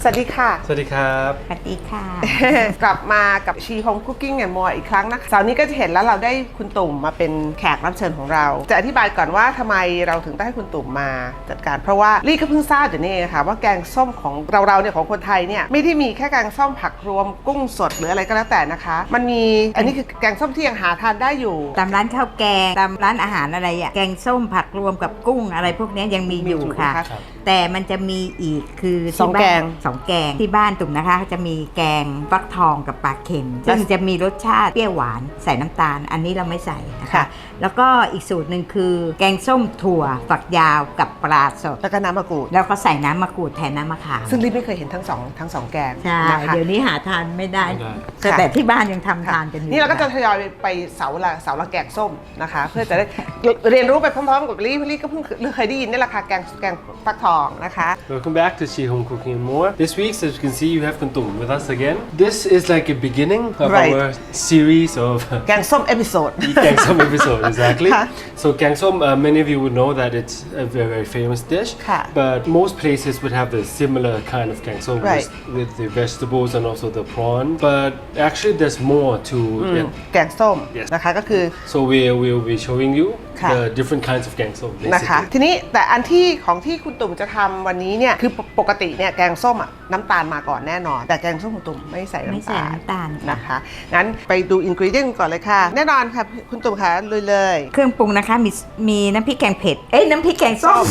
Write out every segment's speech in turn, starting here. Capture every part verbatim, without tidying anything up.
สวัสดีค่ะสวัสดีครับสวัสดีค่ะกลับมากับชีโฮมคุกกิ้งแอนด์มัวอีกครั้งนะคะเสาร์นี้ก็จะเห็นแล้วเราได้คุณตุ่มมาเป็นแขกรับเชิญของเราจะอธิบายก่อนว่าทำไมเราถึงได้ให้คุณตุ่มมาจัดการเพราะว่าลี่ก็เพิ่งทราบอยู่นี่เองค่ะว่าแกงส้มของเราเราเนี่ยของคนไทยเนี่ยไม่ได้มีแค่แกงส้มผักรวมกุ้งสดหรืออะไรก็แล้วแต่นะคะมันมีอันนี้คือแกงส้มที่ยังหาทานได้อยู่ตามร้านข้าวแกงตามร้านอาหารอะไรอะแกงส้มผักรวมกับกุ้งอะไรพวกนี้ยังมีอยู่ค่ะแต่มันจะมีอีกคือสองแกงสองแกงที่บ้านตุ่มนะคะจะมีแกงฟักทองกับปลาเค็มซึ่งจะมีรสชาติเปรี้ยวหวานใส่น้ำตาลอันนี้เราไม่ใส่นะคะแล้วก็อีกสูตรหนึ่งคือแกงส้มถั่วฝักยาวกับปลาสดแล้วก็น้ำมะกรูดแล้วก็ใส่น้ำมะกรูดแทนน้ำมะขามซึ่งลี่ไม่เคยเห็นทั้งสองทั้งสองแกงใช่เดี๋ยวนี้หาทานไม่ได้แต่ที่บ้านยังทำทานกันอยู่นี่เราก็จะทยอยไปเสาละเสาละแกงส้มนะคะเพื่อจะได้เรียนรู้ไปพร้อมๆกับลี่ลี่ก็เพิ่งเคยได้ยินนี่แหละค่ะแกงแกงฟักทองนะคะ Welcome back to She Home Cooking and More. This week, as you can see, you have Kuntum with us again. This is like a beginning of right. our series of แกงส้ม episode แกงส้ม episode, exactly. So แกงส้ม uh, many of you would know that it's a very, very famous dish, but most places would have the similar kind of แกงส้ม right. with, with the vegetables and also the prawn. But actually, there's more to it. แกงส้มนะคะก็คือ So we will be showing you the different kinds of แกงส้มนะคะทีนี้แต่อันที่ของที่คุณตุ่มจะทำวันนี้เนี่ยคือปกติเนี่ยแกงส้มอ่ะน้ำตาลมาก่อนแน่นอนแต่แกงส้มคุณตุ่มไม่ใส่น้ำตาลไม่ใส่น้ำตาลนะคะงั้นไปดูอินกรีเดียนก่อนเลยค่ะแน่นอนค่ะคุณตุ่มค่ะเลยเลยเครื่องปรุงนะคะมีมีน้ำพริกแกงเผ็ดเอ้ยน้ำพริกแกงส้ม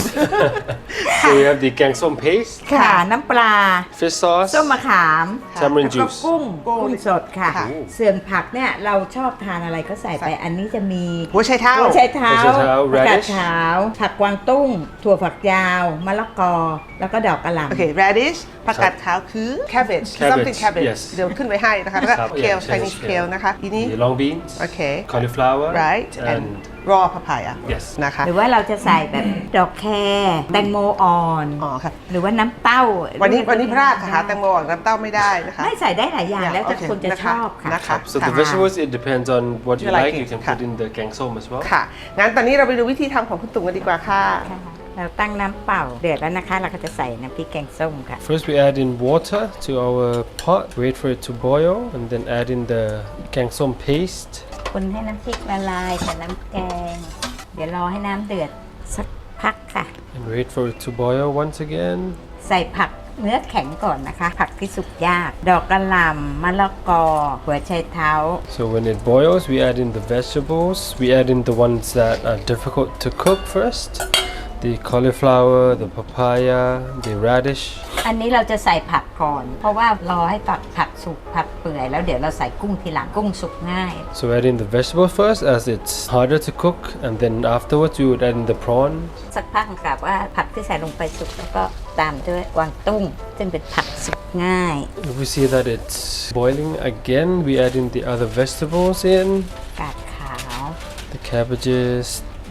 So we have the แกงส้ม paste ค่ะน้ำปลา fish sauce ส้มมะขาม tamarind แล้วก็ juice กุ้งกุ้งสดค่ะส่วนผักเนี่ยเราชอบทานอะไรก็ใส่ไปอันนี้จะมีหัวไชเท้าหัวไชเท้าผักกาด radish ขาวผักกวางตุ้งถั่วฝักยาวมะละกอแล้วก็ดอกกระหล่ำโอเค radish ผักกาดขาวคือ cabbage something cabbage เดี๋ยวขึ้นไว้ให้นะคะแล้วก็ kale Chinese kale นะคะอีนี้ long beans โอเค cauliflower right and raw papaya นะคะหรือว่าเราจะใส่แบบดอกแครแตงโมอ่อนอ๋อค่ะหรือว่าน้ำเต้าวันนี้วันนี้พลาดค่ะแตงโมอ่อนน้ำเต้าไม่ได้นะคะไม่ใส่ได้หลายอย่างแล้วแต่คนจะชอบค่ะ So the vegetables it depends on what you like you can put in the แกงส้ม as well ค่ะงั้นตอนนี้เราไปดูวิธีทำของคุณตุ่มกันดีกว่าค่ะเราตั้งน้ำเปล่าเดือดแล้วนะคะเราก็จะใส่น้ำพริกแกงส้มค่ะ First we add in water to our pot wait for it to boil and then add in the แกงส้ม paste คนให้น้ำพริกละลายกับน้ำแกงเดี๋ยวรอให้น้ำเดือดสักพักค่ะ and wait for it to boil once again ใส่ผักเนื้อแข็งก่อนนะคะผักที่สุกยากดอกกระหล่ำมะละกอหัวไชเท้า So when it boils we add in the vegetables we add in the ones that are difficult to cook first the cauliflower the papaya the radish อันนี้เราจะใส่ผักก่อนเพราะว่ารอให้ผักผักสุกผักเปื่อยแล้วเดี๋ยวเราใส่กุ้งทีหลังกุ้งสุกง่าย So add in the vegetables first as it's harder to cook and then afterwards you would add in the prawn สักพักกับว่าผักที่ใส่ลงไปสุกแล้วก็ตามด้วยกวางตุ้งซึ่งเป็นผักสุกง่าย If we see that it's boiling again we add in the other vegetables in กาดขาว the cabbages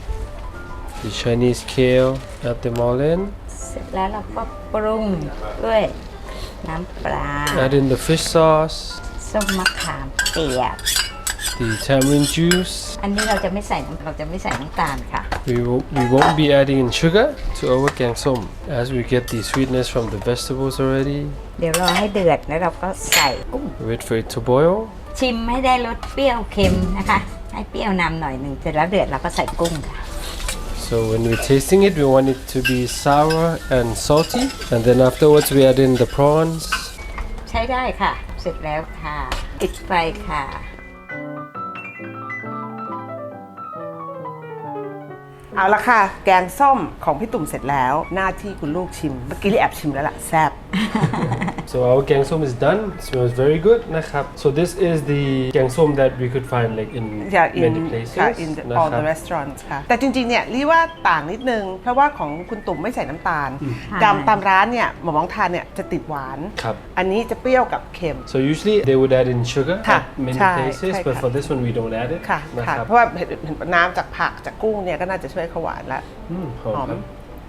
the Chinese kale add them all in เสร็จแล้วเราก็ปรุงด้วยน้ำปลา add in the fish sauce ส้มมะขามเปียก the tamarind juice อันนี้เราจะไม่ใส่เราจะไม่ใส่น้ำตาลค่ะ we, will, we won't be adding in sugar to our แกงส้ม as we get the sweetness from the vegetables already เดี๋ยวรอให้เดือดแล้วเราก็ใส่กุ้ง wait for it to boil ชิมให้ได้รสเปรี้ยวเค็มนะคะให้เปรี้ยวนำหน่อยหนึ่งเสร็จแล้วเดือดเราก็ใส่กุ้งค่ะ So when we're tasting it, we want it to be sour and salty. And then afterwards we add in the prawns. ใช้ได้ค่ะ เสร็จแล้วค่ะปิดไฟค่ะเอาละค่ะแกงส้มของพี่ตุ่มเสร็จแล้วหน้าที่คุณลูกชิมเมื่อกี้ลี่แอบชิมแล้วล่ะแซ่บ So our แกงส้ม is done. It smells very good นะครับ So this is the แกงส้ม that we could find like in yeah, in, many places ค่ะ in the, all the restaurants ค่ะแต่จริงๆเนี่ยลี่ว่าต่างนิดนึงเพราะว่าของคุณตุ่มไม่ใส่น้ำตาลตามตามร้านเนี่ยหมอมองทานเนี่ยจะติดหวานอันนี้จะเปรี้ยวกับเค็ม So usually they would add in sugar at many places but for this one we don't add it ค่ะเพราะว่าน้ำจากผักจากกุ้งเนี่ยก็น่าจะช่วยขวานละหอม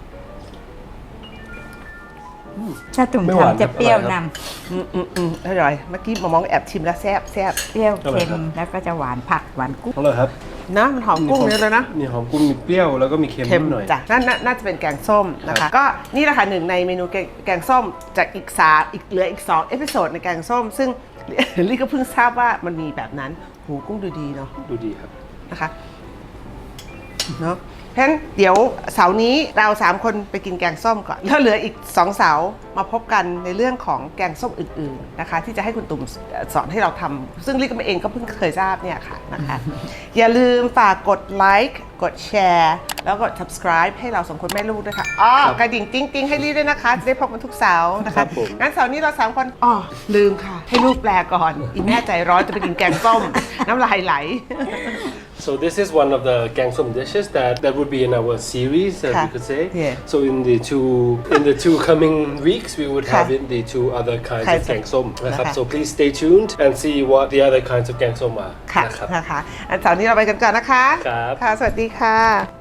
ถ้าตุ่มทำจะเปรี้ยวนำอืมอืมอืมอร่อยเมื่อกี้มามองแอบชิมแล้วแซ่บแซ่บเปรี้ยวเค็มแล้วก็จะหวานผักหวานกุ้งอร่อยครับนะมันหอมกุ้งเยอะเลยนะมีหอมกุ้งมีเปรี้ยวแล้วก็มีเค็มเค็นิมดหน่อยจ้ะนั่นน่าน่าจะเป็นแกงส้มนะคะ ก็นี่แหละค่ะหนึ่งในเมนูแกงแกงส้มจากอีกสามอีกเหลืออีกสองเอพิโซดในแกงส้ม ซึ่ง ลี่ก็เพิ่งทราบว่ามันมีแบบนั้นหูกุ้งดูดีเนาะดูดีครับนะคะเนาะเพราะฉะนั้นเดี๋ยวเสาร์นี้เราสามคนไปกินแกงส้มก่อนแล้วเหลืออีกสองเสาร์มาพบกันในเรื่องของแกงส้มอื่นๆนะคะ ที่จะให้คุณตุ่มสอนให้เราทำซึ่งลี่ก็เองก็เพิ่งเคยทราบเนี่ยค่ะนะคะ อย่าลืมฝากกดไลค์กดแชร์แล้วก็ subscribe ให้เราสองคนแม่ลูกด้วยค่ะอ๋อกระดิ่งติ๊งติ๊งให้ลี่ด้วยนะคะจะได้พบกันทุกเสาร์นะครัคะบผมงั้นเสาร์นี้เราสามคนอ๋อลืมค่ะ ให้ลูกแปลก่อนอีแม่ใจร้อนจะไปกินแกงส้ม น้ำลายไหล So this is one of the gangsum dishes that that would be in our series, as Okay. you could say. Yeah. So in the two in the two coming weeks, we would have Okay. in the two other kinds Kinds of of- gangsum. Okay. So please stay tuned and see what the other kinds of gangsum are. ค่ะนะครับนะคะอันเสาร์นี้เราไปกันก่อนนะคะครับค่ะ สวัสดีค่ะ